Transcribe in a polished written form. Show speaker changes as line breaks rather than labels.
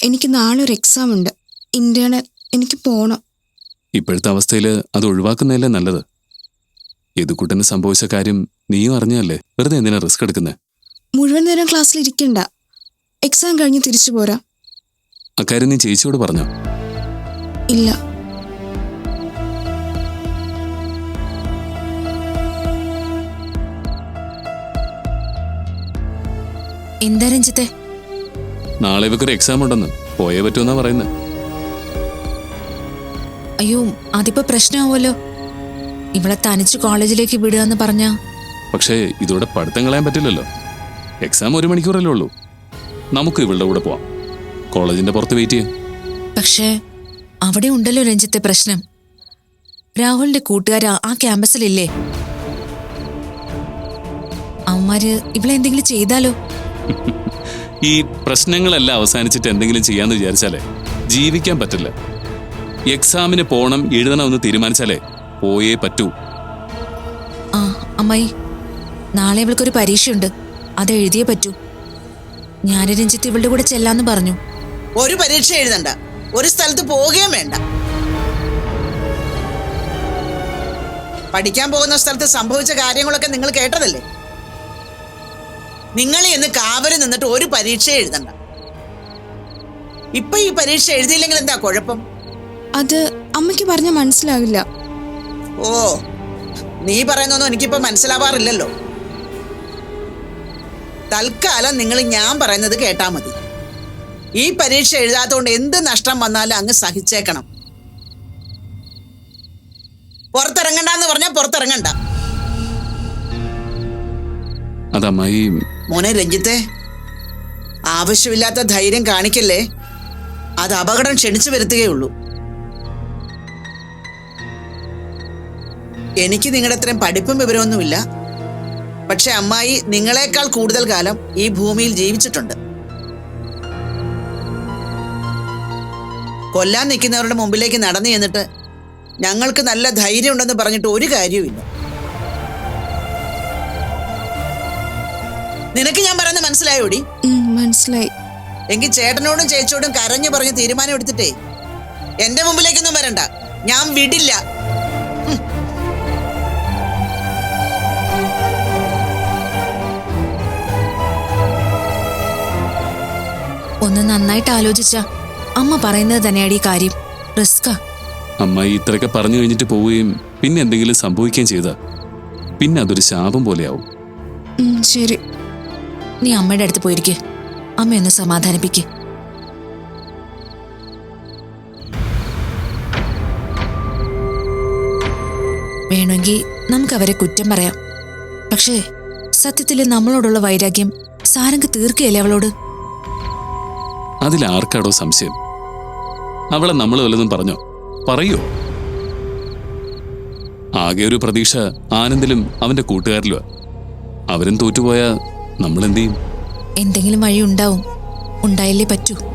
എനിക്ക് നാളെ ഒരു എക്സാം ഉണ്ട്, ഇന്റേണൽ. എനിക്ക് പോണം.
ഇപ്പോഴത്തെ അവസ്ഥയിൽ അത് ഒഴിവാക്കുന്നതല്ലേ നല്ലത്. യദുക്കുട്ടന് സംഭവിച്ച കാര്യം നീയും അറിഞ്ഞല്ലേ, വെറുതെ എന്തിനാ റിസ്ക് എടുക്കുന്നത്?
മുഴുവൻ നേരം ക്ലാസ്സിൽ ഇരിക്കണ്ട, എക്സാം കഴിഞ്ഞ് തിരിച്ചു പോരാ.
അക്കാര്യം നീ ചേച്ചിയോട് പറഞ്ഞോ?
ഇല്ല.
എന്താ രഞ്ജിത്തെ?
നാളെ ഇവക്കൊരു എക്സാം ഉണ്ടെന്ന്, പോയേ പറ്റുമെന്നാ പറയുന്നത്.
അയ്യോ, അതിപ്പോ പ്രശ്നമാവുമല്ലോ. ഇവളെ തനിച്ച് കോളേജിലേക്ക് വിടുക എന്ന് പറഞ്ഞാ.
പക്ഷേ ഇതോടെ പഠിത്തം കളയാൻ പറ്റില്ലല്ലോ. എക്സാം 1 മണിക്കൂറല്ലേ ഉള്ളൂ. നമുക്ക് ഇവളുടെ കൂടെ പോവാം, കോളേജിന്റെ പുറത്ത് വെയിറ്റ് ചെയ്യാം.
പക്ഷേ അവിടെ ഉണ്ടല്ലോ രഞ്ജിത്തെ പ്രശ്നം. രാഹുലിന്റെ കൂട്ടുകാർ ആ ക്യാമ്പസിലില്ലേ? അവന്മാര് ഇവളെ എന്തെങ്കിലും ചെയ്താലോ?
ഈ പ്രശ്നങ്ങളെല്ലാം അവസാനിച്ചിട്ട് എന്തെങ്കിലും ചെയ്യാന്ന് വിചാരിച്ചാലേ ജീവിക്കാൻ പറ്റില്ല. എക്സാമിന് പോണം, എഴുതണമെന്ന് തീരുമാനിച്ചാലേ പോയേ പറ്റൂ.
ആ അമ്മായി, നാളെ ഇവൾക്കൊരു പരീക്ഷയുണ്ട്, അത് എഴുതിയേ പറ്റൂ. ഞാൻ രഞ്ജിത്ത് ഇവളുടെ കൂടെ ചെല്ലാന്ന് പറഞ്ഞു.
ഒരു പരീക്ഷ എഴുതണ്ട, ഒരു സ്ഥലത്ത് പോവുകയും വേണ്ട. പഠിക്കാൻ പോകുന്ന സ്ഥലത്ത് സംഭവിച്ച കാര്യങ്ങളൊക്കെ നിങ്ങൾ കേട്ടതല്ലേ? നിങ്ങൾ ഇന്ന് കാവല് നിന്നിട്ട് ഒരു പരീക്ഷ എഴുതണ്ട. ഇപ്പൊ ഈ പരീക്ഷ എഴുതിയില്ലെങ്കിൽ എന്താ കുഴപ്പം?
അത് അമ്മയ്ക്ക് പറഞ്ഞ മനസ്സിലാവില്ല.
ഓ, നീ പറയുന്നൊന്നും എനിക്കിപ്പോ മനസ്സിലാവാറില്ലല്ലോ. തൽക്കാലം നിങ്ങൾ ഞാൻ പറയുന്നത് കേട്ടാ മതി. ഈ പരീക്ഷ എഴുതാത്തോണ്ട് എന്ത് നഷ്ടം വന്നാലും അങ്ങ് സഹിച്ചേക്കണം. പുറത്തിറങ്ങണ്ടെന്ന് പറഞ്ഞാൽ പുറത്തിറങ്ങണ്ട.
അതമ്മായി.
മോനെ രഞ്ജിത്തെ, ആവശ്യമില്ലാത്ത ധൈര്യം കാണിക്കല്ലേ, അത് അപകടം ക്ഷണിച്ചു വരുത്തുകയുള്ളൂ. എനിക്ക് നിങ്ങളുടെ അത്രയും പഠിപ്പും വിവരമൊന്നുമില്ല. പക്ഷെ അമ്മായി നിങ്ങളെക്കാൾ കൂടുതൽ കാലം ഈ ഭൂമിയിൽ ജീവിച്ചിട്ടുണ്ട്. കൊല്ലാൻ നിൽക്കുന്നവരുടെ മുമ്പിലേക്ക് നടന്നു ചെന്നിട്ട് ഞങ്ങൾക്ക് നല്ല ധൈര്യം ഉണ്ടെന്ന് പറഞ്ഞിട്ട് ഒരു കാര്യവുമില്ല. നിനക്ക് ഞാൻ പറയുന്നത് മനസ്സിലായോടി?
മനസ്സിലായി.
എങ്കിൽ ചേട്ടനോടും ചേച്ചിയോടും കരഞ്ഞു പറഞ്ഞ് തീരുമാനം എടുത്തിട്ടേ എന്റെ മുമ്പിലേക്കൊന്നും വരണ്ട, ഞാൻ വിടില്ല.
ഒന്ന് നന്നായിട്ട് ആലോചിച്ച അമ്മ പറയുന്നത് തന്നെയാണ് ഈ കാര്യം. റിസ്കാ.
അമ്മായി ഇത്രയൊക്കെ പറഞ്ഞു കഴിഞ്ഞിട്ട് പോവുകയും പിന്നെ എന്തെങ്കിലും സംഭവിക്കുകയും ചെയ്താ പിന്നെ അതൊരു ശാപം പോലെയാവും.
ശരി,
നീ അമ്മയുടെ അടുത്ത് പോയിരിക്കെ, അമ്മയൊന്ന് സമാധാനിപ്പിക്ക്. വേണമെങ്കിൽ നമുക്ക് അവരെ കുറ്റം പറയാം. പക്ഷേ സത്യത്തിൽ നമ്മളോടുള്ള വൈരാഗ്യം സാരംഗ് തീർക്കുകയല്ലേ അവളോട്?
അതിലാർക്കാടോ സംശയം? അവളെ നമ്മൾ വല്ലതും പറഞ്ഞോ? പറയോ? ആകെ ഒരു പ്രതീക്ഷ ആനന്ദിലും അവന്റെ കൂട്ടുകാരിലുമാ. അവരും തോറ്റുപോയാ നമ്മളെന്ത് ചെയ്യും?
എന്തെങ്കിലും വഴി ഉണ്ടാവും, ഉണ്ടായില്ലേ പറ്റൂ.